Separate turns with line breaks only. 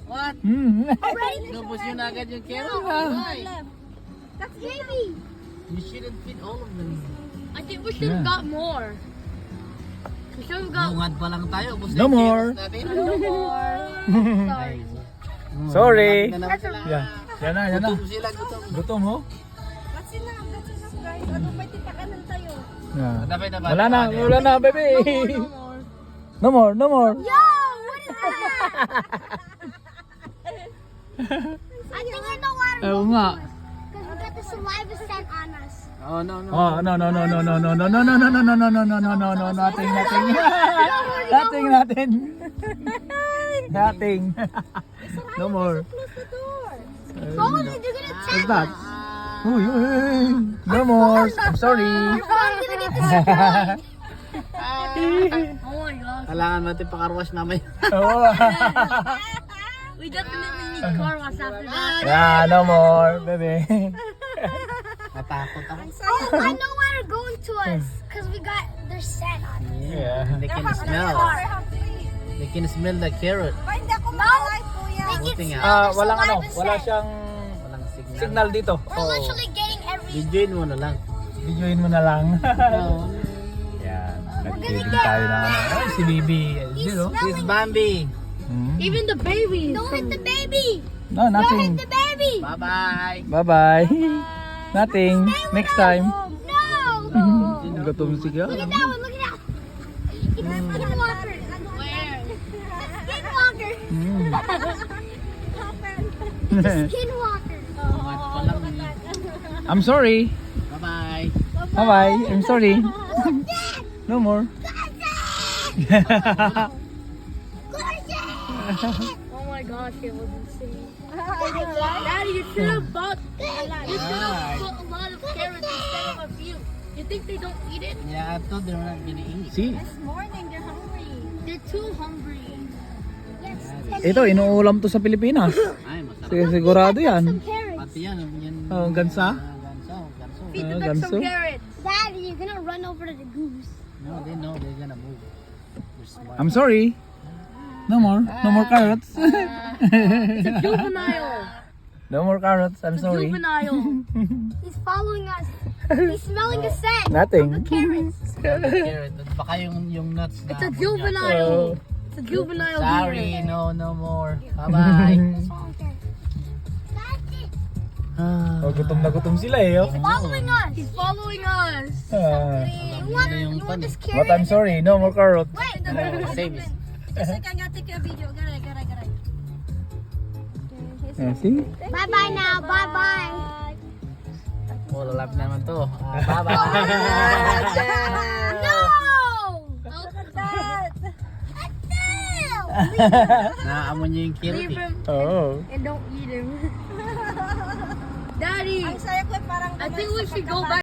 What? Inubos yun agad yung carrot. Why?
That's baby.
You shouldn't feed all of them.
I think we should have got more. We should have got
Bungad pa lang tayo. Ubos na
No
yung
more.
carrots natin.
no more. Sorry.
Sorry.
Na naman sila.
Yan. Yan na, yan na.
Gutom sila, gutom.
Gutom mo?
That's enough guys. Ano may titakanan tayo?
Yeah.
Dapat na ba?
Wala na, wala na, baby.
No more.
No more, no more.
Yo, what is that? I think I know why
Oo nga.
because we got the saliva scent on us.
Oh, no, no.
Oh, no, no, no, no, no, no, no, no, no, no, no, no, no, no, no, no, no, no, nothing, nothing. Nothing, nothing. Nothing. No more.
Close the door.
Oh,
Oh, they're gonna
what's
attack
that?
us.
Uy, uy, no more. I'm sorry.
Your phone's gonna get destroyed.
Oh my gosh.
Kailangan natin pakarwash mamaya.
Oh.
We definitely need car wash after that.
Yeah, no more, baby.
Natakot ako.
Oh, I know why they're going to us because we got their scent on us.
Yeah.
They can smell. They can smell the carrot.
Hindi ako malay, kuya. They
Buti
can
nga.
smell the
Walang ano,
saliva
wala
scent.
siyang
Walang signal.
signal dito.
We're literally getting every.
Videoin mo na lang.
Videoin mo na lang.
Oh.
Yan.
gonna
Nag-feeding
get-
tayo na. Ay, si Bibi.
He's
You know?
This is
smelling.
Bambi.
Hmm?
Even the babies.
Don't hit the baby.
No,
Don't hit
nothing.
the baby.
Bye-bye.
Bye-bye. Nothing. Next time.
No.
Gutom si
Look at that one. Look at that. It's Skinwalker.
Where?
Skinwalker.
Hmm.
Skinwalker.
Bungat pa lang eh.
I'm sorry.
Bye-bye.
Bye-bye. I'm sorry.
Look that.
No more.
Oh my gosh, it was insane. Daddy, you should have bought. You should have put a lot of carrots instead of a few. You think they don't eat it?
Yeah, I thought they were not gonna eat.
See?
This morning they're hungry.
They're too hungry.
Yes.
Ito, inuulam to sa Pilipinas.
Ay, masarap.
Sigurado yan.
Some carrots.
Pati yan. Yan.
Oh, gansa?
Ganso. Ganso.
Feed the ducks
ganso?
some carrots.
Daddy, you're gonna run over to the goose.
No, they know they're gonna move. They're smart.
I'm sorry. No more. No more carrots.
It's a juvenile.
No more carrots. I'm
It's a
sorry.
juvenile.
He's following us. He's smelling the scent.
Nothing.
Of the carrots.
Carrot. Baka yung nuts na.
It's a
amoy niya.
juvenile.
Oh.
It's a juvenile.
Sorry,
deer.
no more. Bye-bye.
Oh, gutom na gutom sila eh. Oh.
Following us.
He's following us.
Ah.
You want this
But
carrot?
I'm sorry. No more carrots.
Wait.
Save it.
Yeah, see?
Bye bye now. Bye bye.
Oh, lalap naman to. Bye-bye.
No.
Look
at that.
Naamoy niyo yung carrot
Leave
eh.
him
Oh.
and don't eat him. Daddy,
Saya ko parang
I think we should go back.